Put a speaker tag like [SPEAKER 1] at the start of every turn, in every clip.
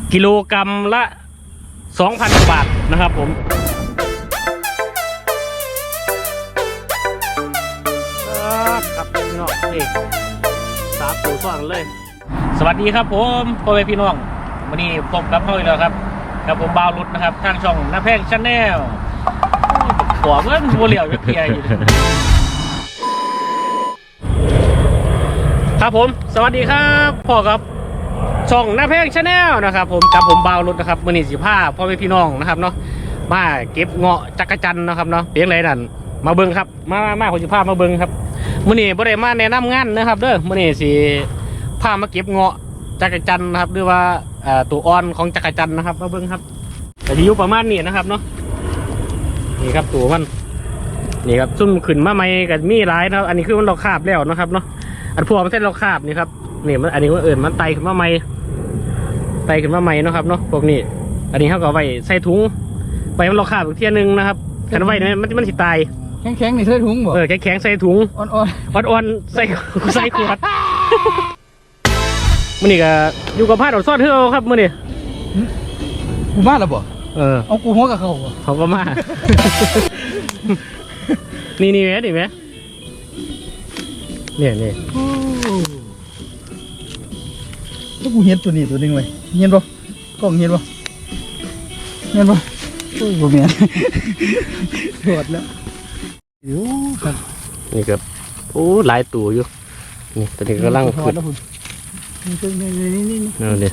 [SPEAKER 1] กิโลกรัมละ 2,000 บาทนะครับผมครับพี่น้องนี่3 ตัวซ้อนเลยสวัสดีครับผมพ่อแม่พี่น้องวันนี้พบกับพ่ออีกแล้วครับกับผมบ่าวรุดนะครับทางช่องน้าแพงชาแนลหัวเงินบัวเหลี่ยวจะเพียอยู่ครับผมสวัสดีครับพ่อครับช่องน้าแพงชาแนลนะครับผมกับผมบ่าวรุดนะครับวันนี้15พ่อแม่พี่น้องนะครับเนาะมาเก็บเงาะจักรจันนะครับเนาะเพียงไรนั่นมาเบิ้งครับมาคน15มาเบิ้งครับมื่อนี้บ่ได้มาแนะนำงานนะครับเด้อมื่อนี้สิพามาเก็บเงาะจักรจันนะครับหรือว่าตัวอ่อนของจักรจันนะครับมาเบิ้งครับแต่ที่อยู่ประมาณนี้นะครับเนาะนี่ครับตัวมันนี่ครับซุ่มขึ้นมาใหม่กับมีหลายนะครับอันนี้คือมันเราคาบแล้วนะครับเนาะอันพวกมันเส้นเราคาบนี่ครับนี่มันอันนี้มันมันไตขึ้นมาใหม่นะครับเนาะพวกนี้อันนี้เขาก็ไว้ใส่ถุงไปมันเราคาบอีกเที่ยนึงนะครับกันไว้เนี่ยมันสิตาย
[SPEAKER 2] แข็งๆนี่ใส่ถุงบ่
[SPEAKER 1] แข็งใส่ถุงอ่อนใส่ขวดมื่อนี้ก็อยู่กับพาดอดซ่อนเฮือครับมื่อนี้
[SPEAKER 2] กูมาแล้วบ่เอากูหัวกับเขา
[SPEAKER 1] ก็มานี่ไหมนี่
[SPEAKER 2] ถ้ากูเห็นตัวนี้ตัวนึงไว้เห็นบ่กล้องเห็นบ่โอ้ยบ่แม่นถอดแล้วครับ
[SPEAKER 1] นี่ครับโอ้หลายตัวอยู่นี่ตอนนี้กำลังขึ้นนี่เดี๋ยว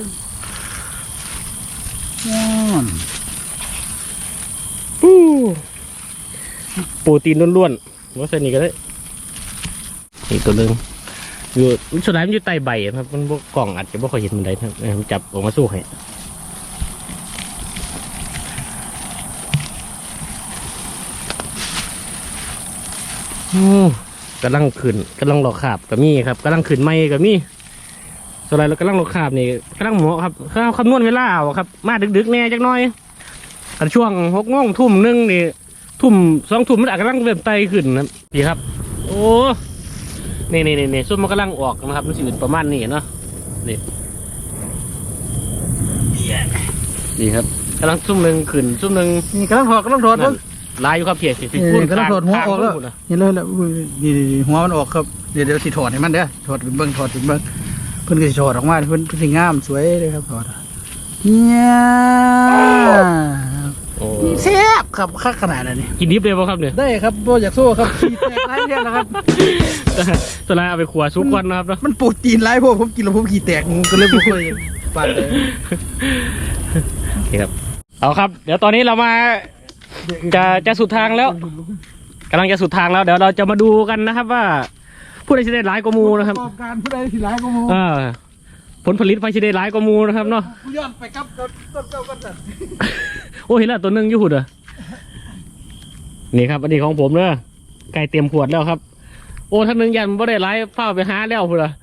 [SPEAKER 1] โปรตีนล้วนๆว่าใส่นี่ก็ได้อีกตัวนึงอยู่สุดท้ายมันอยู่ใต้ใบครับมันพวกกล่องอาจจะไม่ค่อยเห็นมันได้ครับจับออกมาสู้ให้กำลังขึ้นกำลังหลอกขาบกับมี่ครับกำลังขึ้นไม่กับมี่ส่วนอะไรเรากำลังหลอกขาบนี่กำลังหมอครับข้าวคำนวณเวลาเอาครับมาดึกๆแน่จักหน่อยกันช่วง6 โมงทุ่มนึงนี่ทุ่ม2 ทุ่มมันอาจกำลังเริ่มไตขึ้นนะพี่ครับโอ้นี่ส้มมันกำลังออกนะครับมันสิประมาณนี้เนาะนี่ครับกำลังซุ่มหนึ่งขึ้นซุ่มหนึ่ง
[SPEAKER 2] นี่กำลังถอด
[SPEAKER 1] ลายอยู่ครับเพียรสิ
[SPEAKER 2] พูดกำลังถอดหัวออกแล้วเห็นเลยแล้วนี่หัวมันออกครับเดี๋ยวสิถอดให้มันเด้อถอดเป็นเบิ้งเพิ่นก็สิถอดออกมาเพิ่นสิงามสวยเลยครับถอดเนี่ยแซ่บครับคักขนาดนี้
[SPEAKER 1] กินดิบเลยป่ะครับเนี่ย
[SPEAKER 2] ได้ครับโบอยากสู้ครับขี้แตกหลายเท่านะครับ
[SPEAKER 1] ตอนแรกเอาไปขัวซุปก่อนนะครับ
[SPEAKER 2] มันโปรตีนหลายพวกผมกินแล้วผมขี้แตกก็เลยบ่ค่อยปั่นเลย
[SPEAKER 1] โอเคครับเอาครับเดี๋ยวตอนนี้เรามาจะสุดทางแล้วกำลังจะสุดทางแล้วเดี๋ยวเราจะมาดูกันนะครับว่าผู้ใดจะได้หลายกว่ามูนะครับ
[SPEAKER 2] การผู้ใดที่หลายกว่ามู
[SPEAKER 1] ผลผลิตไฟจะได้หลายกว่ามูนะครับเนาะ
[SPEAKER 2] ย้อนไปกับต้นเจ้ากันแต่
[SPEAKER 1] โอ้เห็นแล้วตัวนึงอยู่หุ่นเหรอนี่ครับอันนี้ของผมเนอะไก่เตรียมขวดแล้วครับโอ้ท่านนึงยันไม่ได้ไล่เฝ้าไปหาแล้วหุ่นเหรอ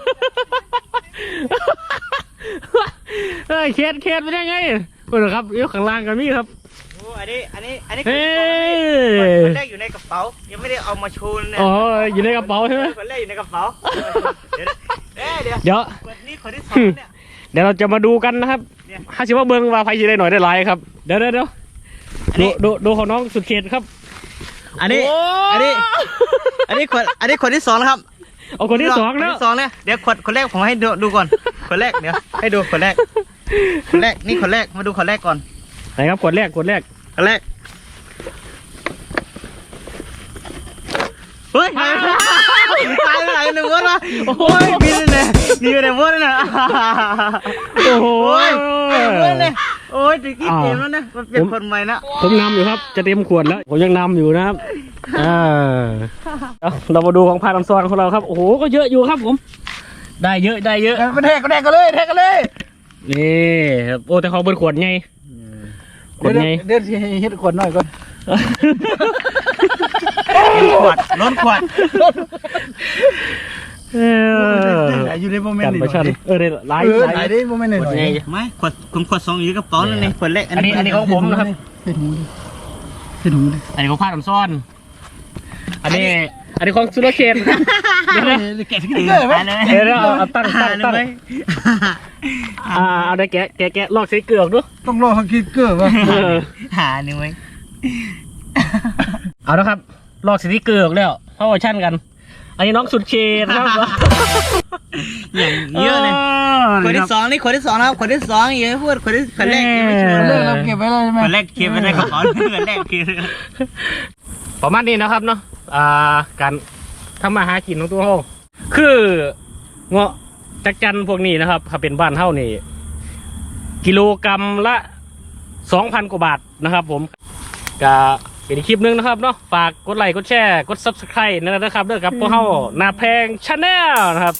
[SPEAKER 1] เคสเป็นยังไงหุ่นเหรอครับยกข้างล่างกันมี่ครับ
[SPEAKER 3] โอ้อันนี้คนแรกอยู่ในกระเป๋ายังไม่ได้เอามาโชว์เลย
[SPEAKER 1] อ๋ออยู่ในกระเป๋าใช่ไหม
[SPEAKER 3] คนแรกอยู่ในกระเป๋า
[SPEAKER 1] เดี๋ยว
[SPEAKER 3] นี่คนที่2เนี่ย
[SPEAKER 1] เดี๋ยวเราจะมาดูกันนะครับถ้าชิว่าเบิ้งว่าไฟจะได้หน่อยได้หลายครับเดี๋ยวดูของน้องสุดเขตครับ
[SPEAKER 3] อันนี้คนที่2นะครับ
[SPEAKER 1] เอาคนที่2แล้ว
[SPEAKER 3] เนี่ยเดี๋ยวคนแรกผมให้ดูก่อนคนแรกเดี๋ยวให้ดูคนแรกนี่คนแรกมาดูคนแรกก่อน
[SPEAKER 1] ไหนครับคนแรก
[SPEAKER 3] เฮ้ยตายไปไหนหนึ่งวันวะโอ้ยบินเลยมีอะไรบ้างนะ
[SPEAKER 1] โอ้โห
[SPEAKER 3] โอ้ยตะกี้เต็มแล้วนะมันเป็นคนใหม่นะ
[SPEAKER 1] ผมนำอยู่ครับจะเต็มขวดแล้วผมยังนำอยู่นะครับเรามาดูของพาดำซอนของเราครับโอ้โหก็เยอะอยู่ครับผมได้เยอะ
[SPEAKER 2] ไปแทกกันเลย
[SPEAKER 1] นี่โอ้แต่เขาเปิดขวดไง
[SPEAKER 2] เดี๋ยวเฮ็ดขวดหน่อยก่อน
[SPEAKER 3] ล้นขวด
[SPEAKER 2] อยู่ในโมเมนต์นี้
[SPEAKER 1] ได้หลาย
[SPEAKER 2] ได้โมเมนต์หน่อย
[SPEAKER 3] ไม่ขวด2อยู่กระเป๋านั่นเองขวดแรก
[SPEAKER 1] อันนี้ของผมนะครับ
[SPEAKER 2] เห็นหู
[SPEAKER 1] อันนี้ของพาดำซอนอันนี้ของสุรเชน
[SPEAKER 2] แกะสติ๊กเกอร์ไหม
[SPEAKER 1] เดี๋ยวเอาตั้งเอาได้แกะลอกสติ๊กเกอร์ออกดู
[SPEAKER 2] ต้องรอสติ๊กเกอร์ป่ะ
[SPEAKER 3] หาหนึ่งไหม
[SPEAKER 1] เอาละครับลอกสติ๊กเกอร์ออกแล้วเข้าอชั่นกัน อันนี้น้องสุดเชนครับ
[SPEAKER 3] อย่างเยอะเลยคนที่สองนี่คนที่สองนะครับคนที่สองเยอะพูดคนแรกยังไม่ชัวร์
[SPEAKER 2] เลิกเราเก็บไว้แล้วใช่ไหม
[SPEAKER 3] คนแรกเก็บไว้ในกระเป๋าคนแรกคือ
[SPEAKER 1] ประมาณนี้นะครับเนาะการทำมาหากินของตัวเขาคือเงาะจักจันพวกนี้นะครับถ้าเป็นบ้านเท่านี่กิโลกรัมละ 2,000 กว่าบาทนะครับผมก็เป็นอีกคลิปหนึงนะครับเนาะฝากกดไลค์กดแชร์กด Subscribe นะครับด้วยกับพวกเขาหน้าแพงชาแนลนะครับ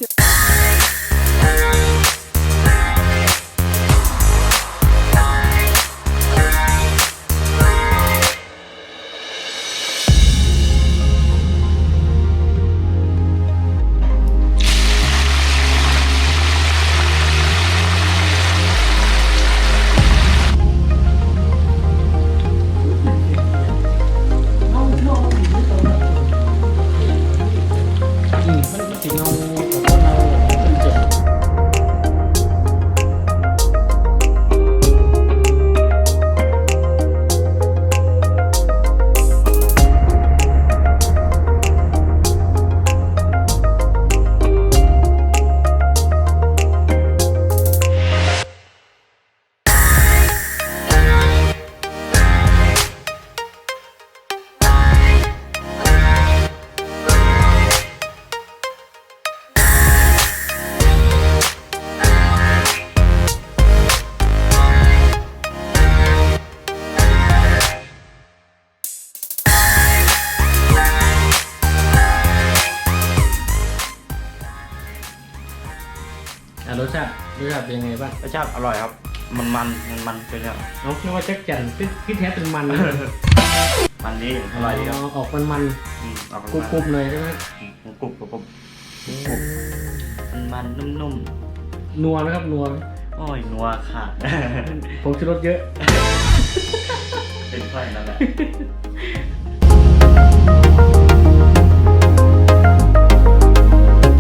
[SPEAKER 1] รสชาติเป็นยังไงบ้าง
[SPEAKER 3] รสชาติอร่อยครับมันเป็นแบบ
[SPEAKER 1] น้องคิดว่าจักจันที่แท้เป็นมัน
[SPEAKER 3] มันดีอร่อยดีครับ
[SPEAKER 1] ออกมัน
[SPEAKER 3] ออก
[SPEAKER 1] กรุบๆเลยใช่ไหม
[SPEAKER 3] กรุบมันนุ่ม
[SPEAKER 1] นัวไหมครับนัวไหม
[SPEAKER 3] ๆโอ้ยนัวขาด
[SPEAKER 1] ผมชูรสเยอะ
[SPEAKER 3] เป็นไฟนั่นแหละ